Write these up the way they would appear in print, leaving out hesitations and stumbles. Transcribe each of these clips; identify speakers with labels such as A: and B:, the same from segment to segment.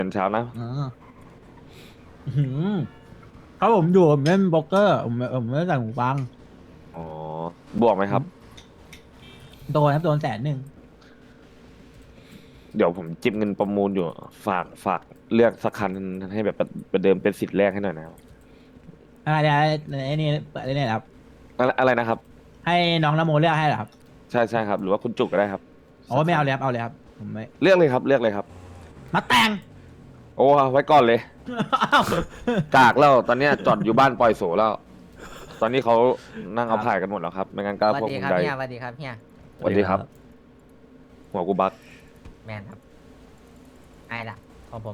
A: เป็นเช้านะ
B: อ๋ออื้อหือครับผมอยู่ผมเล่นโป๊กเกอร์ผมไม่ได้ใส่หูฟัง
A: อ๋อ บวกไหมครับ
B: ผมโดนครับโดน100,000
A: เดี๋ยวผมจิบเงินประมูลอยู่ ฝากเลือกสักคันให้แบบประเดิมเป็นสิทธิ์แรกให้หน่อยนะครับ
B: อะไรไอ้นี่เปิดได้เนี่ยครับ
A: อะไรนะครับ
B: ให้น้องนโมเลือกให้เหรอครับ
A: ใช่ครับ หรือว่าคุณจุกก็ได้ครับ
B: โอ้
A: สักคัน
B: ไม่เอาเลยครับเอาเลยครับผมไม่
A: เลือกเลยครับเลือกเลยครับ
B: มาแต่ง
A: โอ้ไว้ก่อนเลย
B: อ้าว
A: กากแล้วตอนเนี้ยจอดอยู่บ้านปล่อยโสแล้ว ตอนนี้เขานั่งเอาผ่ายกันหมดแล้วครับไม่งั้นก็
C: สวัสดี
A: พวกมึงใด
C: ครับเฮียสวัสดีครับเฮีย
A: สวัสดีครับหัวกูบัก
C: แมนครับไอ้ละของผม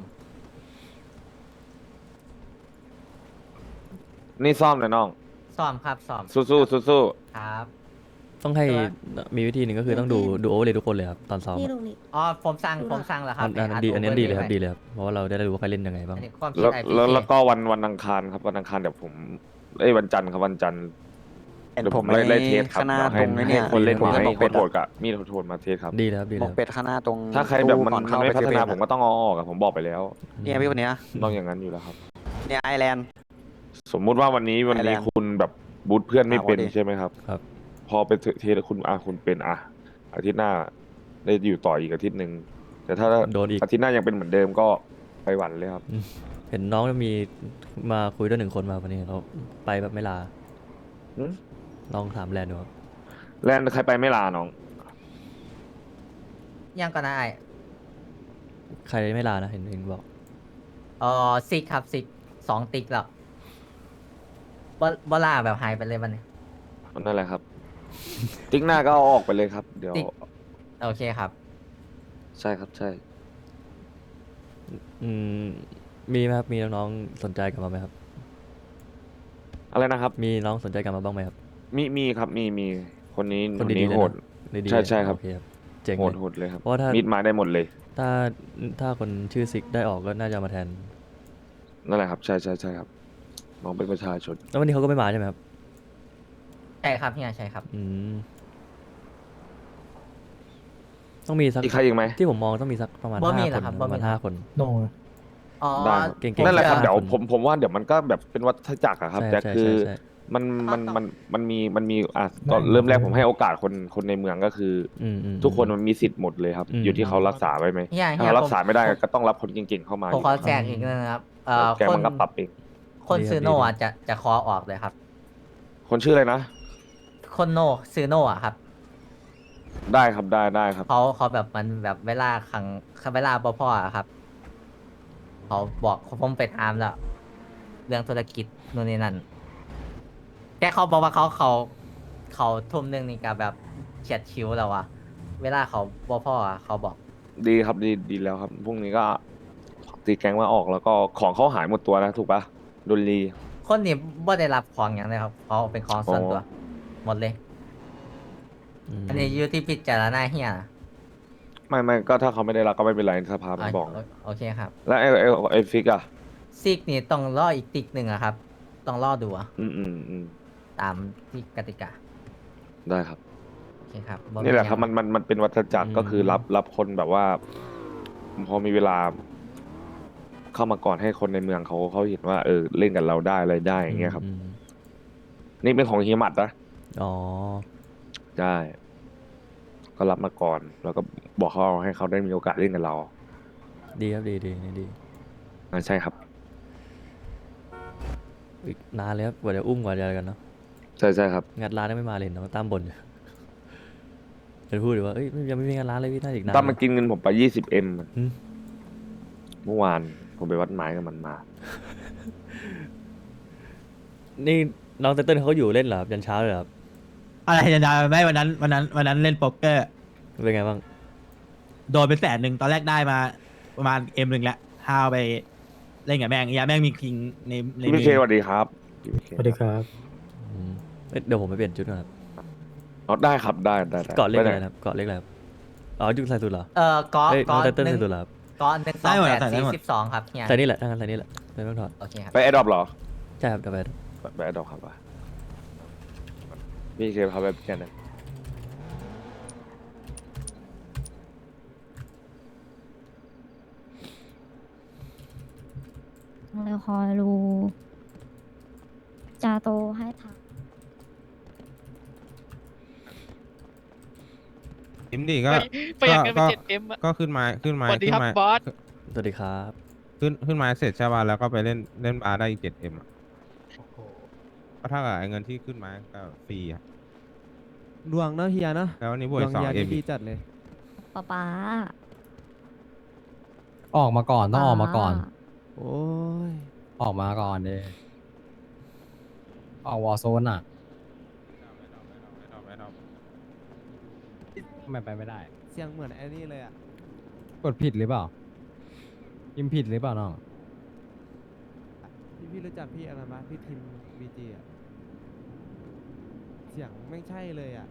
A: นี่ซ่อมเลยน้อง
C: ซ้อมครับซ้อม
A: สู้
C: ครับ
D: ต้องให้
C: แต่ว่า
D: มีวิธีหนึ่งก็คือต้องดูโอเวอร์เลยทุกคนเลยครับตอนซ้อม
E: นี่
D: อะ
E: ลุงนี่
C: อ๋อผมสั่งแล้วค
D: อั
C: รับ
D: นนั้นดีอันนี้ดีเลยครับดีเลยครับเพราะว่าเราได้รู้ว่าใครเล่นยังไงบ้าง
C: อันนี้ความ
A: ๆแล้ว
C: คิดไอพี
A: แล้ว
C: เค
A: แล้วก็วันอังคารครับวันอังคารเดี๋ยวผมวันจันทร์ครับวันจันทร์
F: เห็น
A: เดี๋ยว
F: ผ
A: ผม ม
F: ไอ้
A: ไล่เทสครับ
F: ข้างหน้า
A: ให้
F: ตรงไอ้เนี่ย
A: คนเล่น
F: ผม
A: ให้
F: จะบอก
A: โค
F: เป็ด
A: ตร
F: อะ
A: กับมีดโทนมาเทสครับ
D: ดีเลยครับดีเลย
F: บอกเป็ดข้างหน้าตรง
A: ถ้าใครแบบมัน
F: ตู้ก่อ
A: มัน
F: เข้า
A: ไม่
F: ไป
A: พัฒนา
F: เซเว่น
A: ผมก็ต้องเอาออกอะผมบอกไปแล้ว
F: เนี่ยพี่คนเนี้ย
A: ต้องอย่างนั้นอยู่แล้วครับ
F: เนี่ยไอแลนด์
A: สมมุติว่าวันนี้
F: Thailand
A: คุณแบบบูทเพื่อนไม่เป็น
F: พอดี
A: ใช่ไหมครับ
D: ครับ
A: พอไปเทสคุณคุณเป็นอาทิตย์หน้าได้อยู่ต่ออีกอาทิตย์หนึ่งแต่ถ้า
D: โดนอีก
A: อาทิตย์หน้ายังเป็นเหมือนเดิมก็ไปหวันเลยครับ
D: เห็นน้องมีมาคุยด้วยหนึ่งคนมาวันนี้เขาไปแบบไม่ลา
A: หืม
D: ลองถามแลนด์ดูครับ
A: แล้วใครไปไม่ลาน้อง
C: ยังก็นะไอ
D: ใครไม่ลานะเห็นบอก
C: ซิกครับซิก2 ติ๊กแล้วบล่าแบบหายไปเลยวันนี้
A: นั่นแหละครับ ติ๊กหน้าก็เอาออกไปเลยครับ เดี๋ยว
C: ติ๊ก โอเคครับ
A: ใช่ครับใช่
D: อืมมีไหมครับมีน้องๆสนใจกลับมาไหมครับ
A: อะไรนะครับ
D: มีน้องสนใจกลับมาบ้างไหมครับ
A: มีครับมีคนนี้
D: คน
A: นี้
D: ดีๆเลย
A: โห
D: นะ
A: ด
D: ดีๆ
A: ใช่ครับ
D: โอเคครับเจ๋ง
A: โห
D: เล
A: ด
D: ย
A: โหดเลยครับ
D: เพราะว่าถ้า
A: มีดมาได้หมดเลย
D: ถ้าคนชื่อซิกได้ออกก็น่าจะมาแทน
A: นั่นแหละครับใช่ครับน้องเป็นประชาชน
D: แล้ววันนี้เขาก็ไม่มาใช่ไหมครับ
C: ใช่ครับเฮียใช่ครับ
D: อืมต้องมีสัก
A: อีกใครอีกไหม
D: ที่ผมมองต้องมีสักประมาณ
C: บ่มี
D: 5
C: เห
D: ค
C: ร
D: น
C: อครับ
D: ประมาณ
C: บ่มี
D: 5 คน
B: โน
C: อ๋อ
A: ได้ครับ
D: เก่งๆ
A: นั่นแหละครับ
D: 5
A: เดี๋ยว
D: คน
A: ผมว่าเดี๋ยวมันก็แบบเป็นวัฏจักรอะครับ
D: ใช่
A: แต่
D: ใช่
A: คือ
D: ใช่
A: มันมัน
C: ต้อง
A: มันมันมีตอนเริ่มแรกผมให้โอกาสคนในเมืองก็คืออ
D: อืม
A: ทุกคนมันมีสิทธิ์หมดเลยครับ
D: อืม
A: อยู่ที่เขารักษาไว้ไหม
C: เฮีย
A: ถ้า
C: เฮีย
A: เขา
C: ผ
A: รั
C: ม
A: กษาไม่ได้ก็ต้องรับคนเก่งๆเข้ามา
C: ผมขอ
A: อยู่
C: แจกอีกนึงนะครับ
A: แกมันก็ปรับเอง
C: คน
D: ดีครับ
C: ซื้อโน
D: ดี
C: อ่ะจะขอออกเลยครับ
A: คนชื่ออะไรนะ
C: คนโนซื้อโนอ่ะครับ
A: ได้ครับได้ครับ
C: เขาแบบมันแบบเวลาเวลาพ่ออะครับเขาบอกผมไปถามแล้ว เรื่องธุรกิจนู่นนี่นั่นแค่เขาบอกว่าเขาทุ่มหนึงนี่กับแบบเฉียดชิวแล้วอะเวลาเขาพ่ออะเขาบอก
A: ดีครับดีแล้วครับพรุ่งนี้ก็ตีแกงมาออกแล้วก็ของเขาหายหมดตัวนะถูกปะโดนรี
C: คนนี้บ่ได้รับของอย่างเลยครับเขาเป็นของส่วนตัว หมดเลย อันนี้อยู่ที่พิจารณาเฮียนะ
A: ไม่ก็ถ้าเขาไม่ได้รับก็ไม่เป็นไรสภามันบอก
C: โอเคครับ
A: แล้วไอ้ฟิกอะ
C: ซิกนี่ต้องรออีกติ๊กหนึ่งอะครับ ต้องรอดูอะ
A: อืม
C: ตามที่กติกา
A: ได้ครับ
C: โอเคครับ
A: นี่แหละครับมันเป็นวัฏจักร
D: อืม
A: ก็คือรับคนแบบว่า พอมีเวลา เข้ามาก่อนให้คนในเมืองเขาเห็นว่าเล่นกับเราได้อะไรได้อย่างเงี้ยครับ
D: อืม
A: นี่เป็นของเฮียหมัดนะ
D: อ๋อ
A: ใช่ก็รับมาก่อน แล้วก็บอกเขาให้เขาได้มีโอกาสเล่นกับเรา
D: ดีครับดีดี
A: ใช่ครับ
D: อีกนานเลยครับกว่าจะอุ้มกว่าจะอะไรกันเนาะ
A: ใช่ครับ
D: งัดร้านยังไม่มาเลยเห็นน้องตั้มบ่นอยู่จะพูดเลยว่าเอ้ยยังไม่มีงานร้านเลยพี่น่าอีกนาน
A: ตั้มมันกินเงินผมไป20M
D: อืม
A: เมื่อวานผมไปวัดไม้กับมันมา
D: นี่น้องเต้นเขาอยู่เล่นเหรอครับยันเช้าเลยเหรอครับ
B: อะไรจะได้ไม่วันนั้นเล่นโป๊กเกอร์
D: เป็นไงบ้าง
B: โดนไป100,000ตอนแรกได้มาประมาณM1แล้วห้าวไปเล่นกับแม่งแม่งมีคิงใน
A: พี่พีเคสวัสดีครับพี่พีเค
B: สวัสดีครับ
D: อืมเอ้ยเดี๋ยวผมไปเปลี่ยนชุดก่อนครับ
A: อ๋อได้ครับได้
D: เกาะเล็ก
A: ม่
D: อะไร
A: ด้
D: นะครับเกาะเล็กอะไรครับอ๋อจุดใส่สุดเหรอ
C: ก้อ
D: เอ้ย
C: ก้
D: น้
C: อ
D: องเต้น
C: หนึ่
D: ใส่
C: ง
D: สุดเหรอครับ
C: ก้อน128 42ครับเฮีย
D: ใส่นี่แหละถ้างั้นใส่นี่แหละไม่ต้องถอด
C: โอเคครับ
A: ไปแอดดอปเหรอ
D: ใช่ครับเดี๋ยวไป
A: ไปแอดดอปครับว่ะพี่เคเขาแบบแค่นั้น
E: เลยคอยดูจะโตให้ทัน
G: เอ็มดีก็
H: ประหยัดเงินไป
G: ก็
H: 7M อะ
G: ก็ขึ้นไม้
H: สวัสดีครับบอส
D: สวัสดีครับ
G: ขึ้นไม้เสร็จใช่ป่ะแล้วก็ไปเล่นบาร์ได้อีก7M อ่ะก็เท่ากับไอ้เงินที่ขึ้นไม้ก็ฟรีอ่ะ
I: ดวงเนาะเฮียเนาะ
G: แล้ววันนี้บ
I: ด
G: วก
I: วง
G: 2
I: เฮีย
G: เอ็
I: นี่
G: ม
I: ดีจัดเลย
E: ป๊า
J: ออกมาก่อนต้องออกมาก่อน
I: โอ้ย
J: ออกมาก่อนเดออกวอร์โซนอ่ะไม่ไปไม่ได้
I: เสียงเหมือนไอ้นี่เลยอ่ะ
J: กดผิดหรือเปล่าพิมพ์ผิดหรือเปล่าน้อง
I: พี่รู้จักพี่อะไรไหมพี่ทิมบีจีอ่ะเสียงไม่ใช่เลยอ่ะ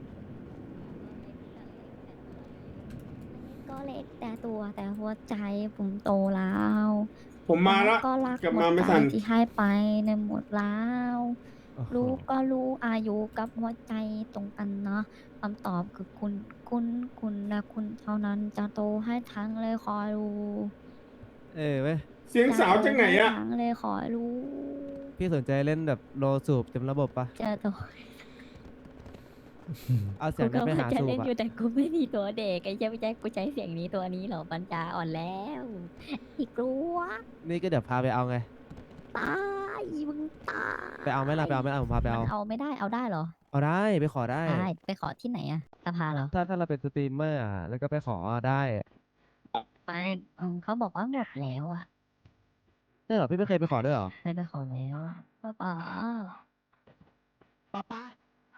E: ก็เล็กแต่ตัวแต่หัวใจผมโตแล้ว
K: ผมมาแล้ว
E: ก็รัก
K: กลับ
E: หม
K: มา
E: ด
K: ไม่
E: ใจ
K: ทัน
E: ที่ให้ไปในหมดแล้ว
I: โอ้โห
E: รู้ก็รู้อายุกับหัวใจตรงกันเนาะคำตอบคือคุณและคุณเท่านั้นจะโตให้ทั้งเลยคอยรู้
I: เว้ย
K: เสียงสาวจากไหนอะ
E: จโตให้ทั้งเลยคอยรู้
I: พี่สนใจเล่นแบบโลสูบเต็มระบบปะ
E: จะโต
I: เอาเสี
E: กู
I: ยง
E: ก็
I: นั้นไป
E: ว่า
I: หา
E: จะ
I: สู
E: เล่
I: บ
E: น
I: อ่ะ
E: อยู่แต่กูไม่มีตัวเด็กไอ้เจ้าไม่ใช่กูใช้เสียงนี้ตัวนี้เหรอปัญญาอ่อนแล้วอีกลัว
I: นี่ก็เดี๋ยวพาไปเอาไง
E: ตายมึงตาย
I: ไปเอาไหมล่ะไปเอาไหมล่ะผมพาไปเอา
E: มันเอาไม่ได้เอาได้เหรอ
I: เอาได้ไปขอได้
E: ได้ไปขอที่ไหนอะสภาเหรอ
I: ถ้าเราเป็นสตรีมเมอร์อ่ะแล้วก็ไปขอได้
E: ไปเขาบอกว่าหมดแล้วอะ
I: ใช่เหรอพี่ไม่เคยไปขอด้วยเหรอ
E: เคยไปขอแล้วป้าป๋าป้าป๋า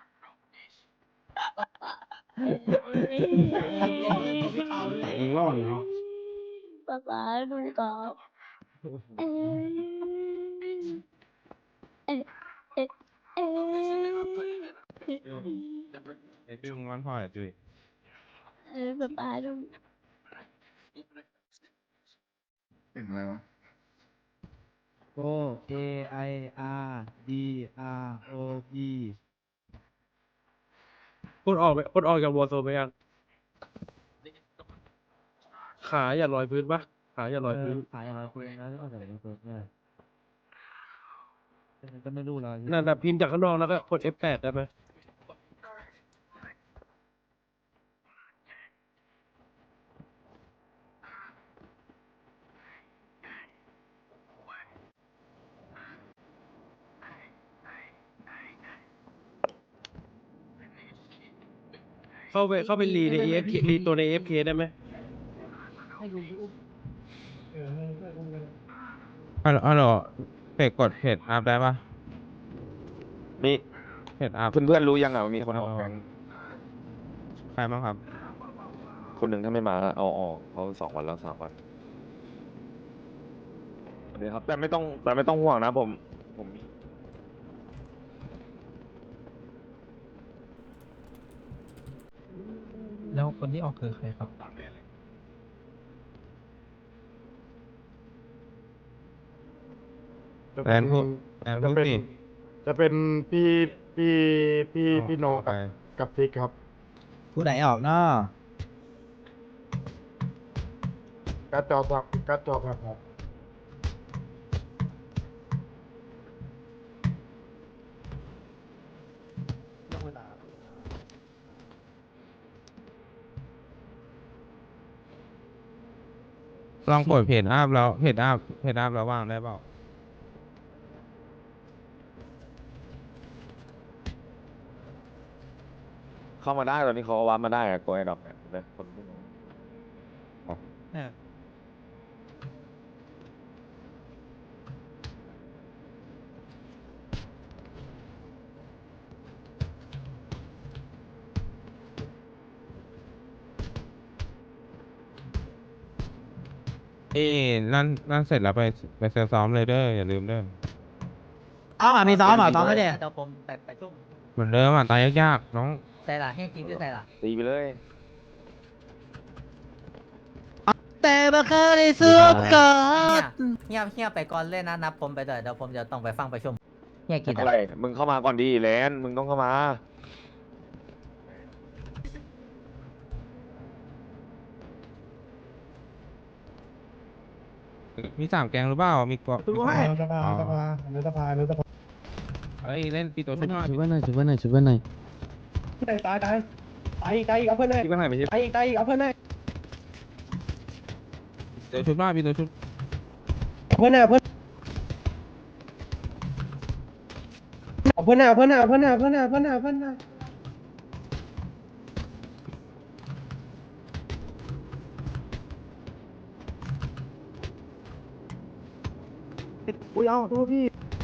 K: รอดเนาะ
E: ป้าป๋าดูก่อนเอ้ยเอ้ยเอ้ยเอ้ย
G: ไอ้พี่มึงวันพ่ออ่ะจุ้ย
E: ป้าป๋าดู
I: โก KIRDROP
H: คนออกจากวอร์โซนไปยัง ขาอย่าลอยพื้นปะขาอย่าลอยพื้น
I: ขายอะไรคุยนะที่ออกจากโลสูบเนี่ยก็ไม่รู้แล้ว
H: นั่นน่ะพิมพ์จากข้างนอกแล้วก็กด F8 ได้ไหม เข้าไปรีใน AFK รีตัวใน AFK ได้ไหม
G: ฮัลโหลเพจกดเพจอัพได้ปะ
A: มี
G: เพจอัพ
A: เพื่อนๆรู้ยังอ่ะว่ามีคนออกแกง
G: ใครบ้างครับ
A: คนหนึ่งถ้าไม่มาเอาออกเขา2 วันแล้ว3 วันสวัสดีครับแต่ไม่ต้องห่วงนะผมมี
H: แล้วคนที่ออกคือใครครับ
G: แลนพูดสิ
K: จะเป็นพี่โน
G: ไป
K: กับทิกครับ
B: ผู้ไหนออกเนาะ
K: กระจอกครับ
G: ลองกดเพจอัพแล้วเพจอัพแล้วว่างได้เปล่า
A: เข้ามาได้ตอนนี้เขาวัดมาได้อะโกไอดอกเนี่ยเลยคนที่รู้
G: นั่นเสร็จแล้วไปเซลซ้อมเลยเด้ออย่าลืมเด้อ
B: มีซ้อมเหรอซ้อมไม่ได้
C: เดี๋ยวผมไปชุ่ม
G: เหมือนเดิมอ่ะตายยากๆน้อง
C: ใส่ละให้กินด้วยใส่ละ
A: ตีไปเลย
B: แต่มาเคยได้สู้กั
C: เฮียไปก่อนเลยนะนับผมไปด้วยเดี๋ยวผมจะต้องไปฟังประชุมเฮียกิน
A: อะไร มึงเข้ามาก่อนดีแลนมึงต้องเข้ามา
G: มีสามแกงหรือเปล่ามีกว่า
K: รู้ไหมสภาสภาสภาสภา
G: เอ้ยเล่นปีตัวชุดหน่อย
J: ชุบไว้หน่อยชุบไว้หน่อยชุบไว้หน่อย
H: ตายอีกเอาเพื่อนเลย
A: ที่มันหายไปที่
H: ตายอีกเอาเพื่อนเลย
G: ตัวชุดหน่อยปีตัวชุด
H: เอาเพื่อนเอาเพื่อนอุ้ยเอาโทษพี่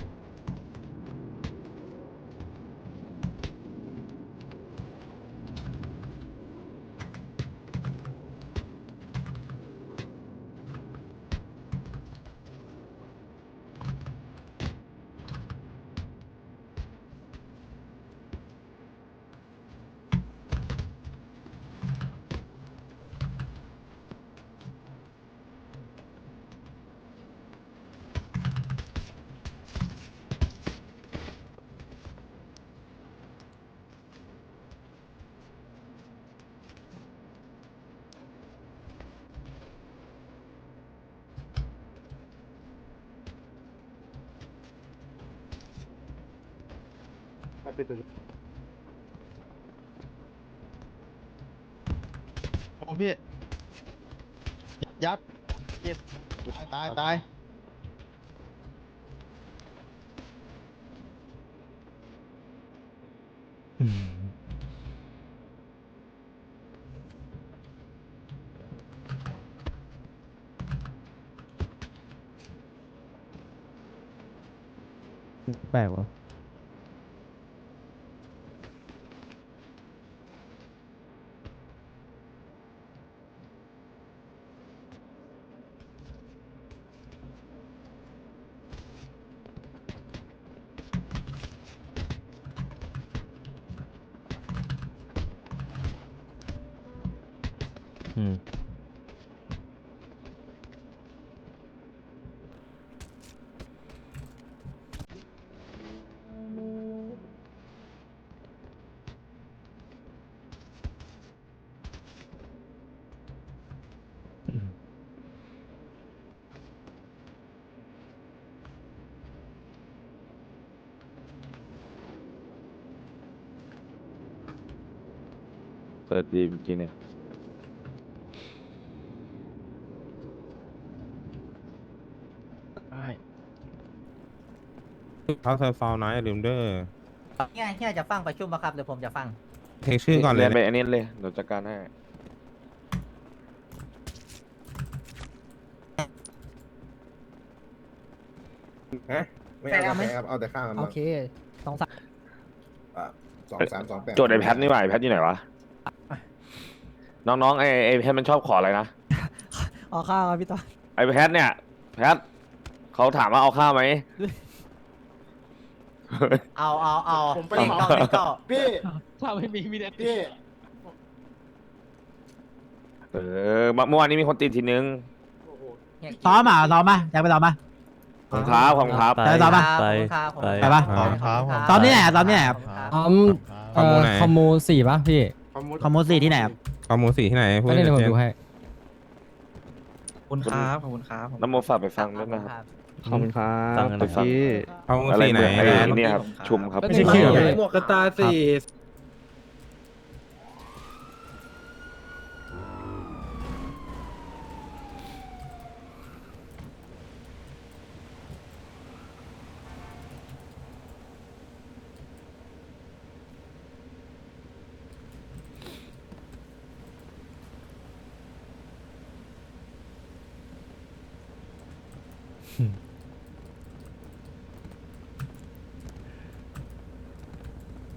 K: โอ้พี่ยัดตาย
J: แปลกวะ
D: อืม
A: เปิดดีเมื่อกี้เนี่ย
G: เขาเซอร์ฟาวน์นะอย่าลืมเด้อ
C: เฮียจะฟังประชุมปะครับเดี๋ยวผมจะฟัง
G: เทคชื่อก่อนเลย
A: ไปอันนี้เลยเดี๋ยวจัดการให้
K: ไม่เอาแต่เอาแต่ข้างมัน
J: โอเคสองสาม
K: 2-3-2-8
A: โจทย์ไอแพทนี่หว่าไอแพทอยู่ไหนวะ น้องๆไอแพทมันชอบขออะไรนะ
J: เอาข้าวครับพี่ต้อ
A: ไอแพทเนี่ยแพทเขาถามว่าเอาข้าวไหม
C: เอา
K: ผมไป
C: เล่นเก้าเล่นเก้า
K: พี่
H: ถ้าไม่มีแต่
K: พี่
A: เมื่อวานนี้มีคนติดทีนึง
B: ซ้อมอ่ะซ้อมมาแจ็คไปซ้อมมา
A: ของครับของครับ
D: ไป
B: ได้ต่อปะ
D: ไป
C: ไป
B: ไปปะ ซ้อมที่ไหนอ่ะซ้อมที่ไหนครับ
J: คอมคอมมูสี่ป่ะพี่
B: คอมโมสี่ที่ไหนครับ
G: คอมมูสี่ที่ไหนพูด
J: ไม่ได้
G: ให้
J: เดี๋ยวผม
G: ชัด
J: ดูให้
H: คุณครับขอบคุณครับ
A: น้ำโมฝากไปฟังด้วยนะครับ
B: ขอบคุณครั
D: ฟัง
B: บ
D: กัน
A: ไป
D: นะค
A: ฟั
D: รับ
G: คอมมู
A: อะไร
G: สี่ไหน
A: เมืองไอ้
G: แลนด์
A: เนี่ยครับชุมครับ
J: ไม่ใช่เขียว
H: หมวกกระตาสี
D: อืม